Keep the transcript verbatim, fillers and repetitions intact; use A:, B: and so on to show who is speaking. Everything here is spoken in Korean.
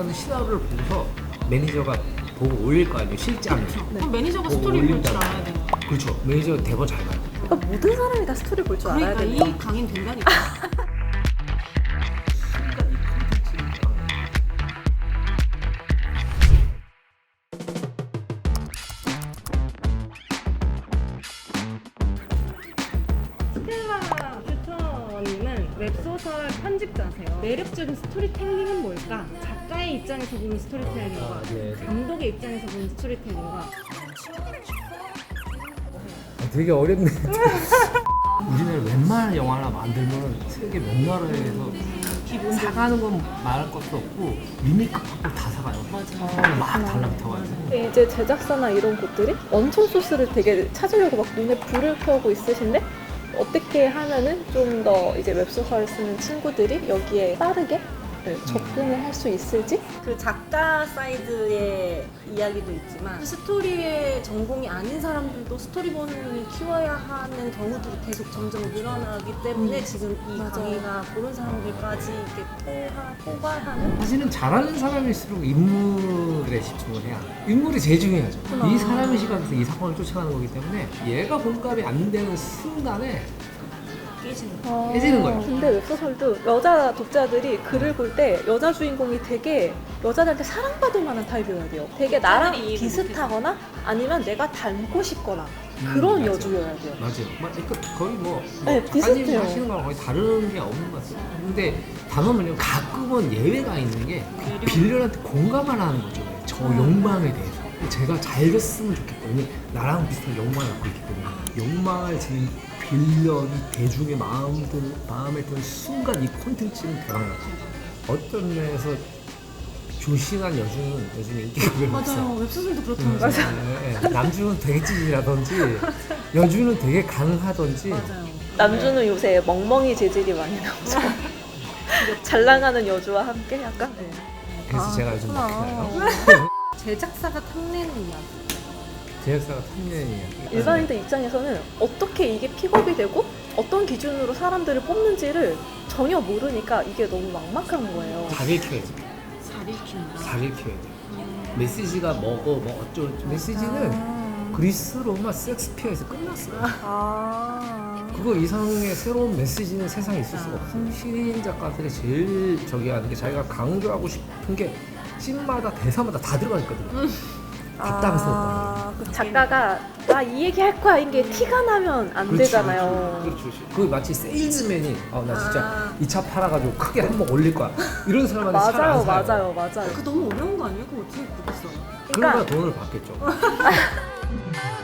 A: 어떤 시나리오를 보고서 매니저가 보고 올릴 거 아니에요, 실장이.
B: 네. 그럼 매니저가 스토리 볼 줄 알아야 되는 거야.
A: 그렇죠. 매니저 대본 잘 봐요.
C: 그러니까 모든 사람이 다 스토리 볼 줄 알아야
B: 그러니까
C: 되는
B: 이 강인 된다니까.
A: 순간 이 콘텐츠랑
B: 스텔라 퓨처님은 웹소설 편집자세요. 매력적인 스토리텔링은 뭘까? 작가의 입장에서 보는 스토리텔링과
A: 아, 네.
B: 감독의 입장에서 보는 스토리텔링과
A: 되게 어렵네. 우리나라 웬만한 영화나 만들면 세계 몇 나라에서 사가는 건 말할 것도 없고 리메이크 받고 다 사가요.
B: 맞아.
A: 막 달라붙어가지고.
C: 이제 제작사나 이런 곳들이 원천 소스를 되게 찾으려고 막 눈에 불을 켜고 있으신데 어떻게 하면은 좀 더 이제 웹소설을 쓰는 친구들이 여기에 빠르게 네, 접근을 할 수 있을지?
D: 그 작가 사이드의 이야기도 있지만 스토리의 전공이 아닌 사람들도 스토리본을 키워야 하는 경우들이 계속 점점 늘어나기 때문에
C: 음.
D: 지금 이
C: 맞아요.
D: 강의가 그런 사람들까지 이렇게 포화, 포괄하는
A: 사실은 잘하는 사람일수록 인물에 집중을 해야 돼. 인물이 제일 중요하죠. 이 사람의 시각에서 이 사건을 쫓아가는 거기 때문에 얘가 공감이 안 되는 순간에
D: 깨지는
C: 아,
A: 깨지는 거예요.
C: 근데 웹소설도 여자 독자들이 글을 볼 때 여자 주인공이 되게 여자들한테 사랑받을 만한 타입이어야 돼요. 되게 나랑
D: 독자들이 이해를
C: 비슷하거나 아니면 내가 닮고 싶거나 그런
A: 음, 맞아.
C: 여주여야 돼요.
A: 맞아요. 막 그러니까 거의 뭐, 뭐
C: 네,
A: 작가님이
C: 비슷해요.
A: 하시는 거랑 거의 다른 게 없는 것 같아요. 근데 다만은요, 가끔은 예외가 있는 게 빌런한테 공감을 하는 거죠. 저 욕망에 대해서. 제가 잘 됐으면 좋겠거든요. 나랑 비슷한 욕망을 갖고 있기 때문에 욕망을 지닌 빌런이 대중의 마음들, 마음에 드는 순간 이 콘텐츠는 대박나죠. 어떤 면에서 조신한 여주는 요즘 인기가 별로 없어.
D: 맞아요. 웹소설도
A: 음,
D: 그렇다면서요.
A: 예, 예. 남주는 되게 찌질하던지 여주는 되게 강하던지.
D: 맞아요.
C: 남주는 요새 멍멍이 재질이 많이 나오죠. 잘 나가는 여주와 함께 약간 네.
A: 그래서
D: 아,
A: 제가 요즘
D: 그렇구나.
A: 막히나요?
D: 제작사가 탐내는 이야기.
A: 제작사가 탐내는 이야기.
C: 일반인들 입장에서는 어떻게 이게 픽업이 되고 어떤 기준으로 사람들을 뽑는지를 전혀 모르니까 이게 너무 막막한 거예요.
A: 잘 읽혀야지.
B: 잘 읽힌다.
A: 잘 읽혀야 돼. 메시지가 뭐고 뭐 어쩌고 메시지는 그리스 로마 섹스피어에서 끝났어요.
C: 아.
A: 그거 이상의 새로운 메시지는 세상에 있을 수가 없어요. 시인 작가들이 제일 저기 하는 게 자기가 강조하고 싶은 게 씬마다 대사마다 다 들어가 있거든요. 답답해서
C: 아, 그 작가가 나 이 얘기 할 거야 이게 티가 나면 안 되잖아요.
A: 그렇죠, 그렇죠. 그 마치 세일즈맨이 아 나 진짜
D: 아.
A: 이 차 팔아가지고 크게 한번 올릴 거야. 이런 사람한테
C: 맞아요,
A: 잘안 사요.
C: 맞아요, 맞아요.
D: 그거 너무 어려운 거 아니에요? 그거 어떻게 그렇게 써요?
A: 그러니까
C: 그러니까
A: 돈을 받겠죠.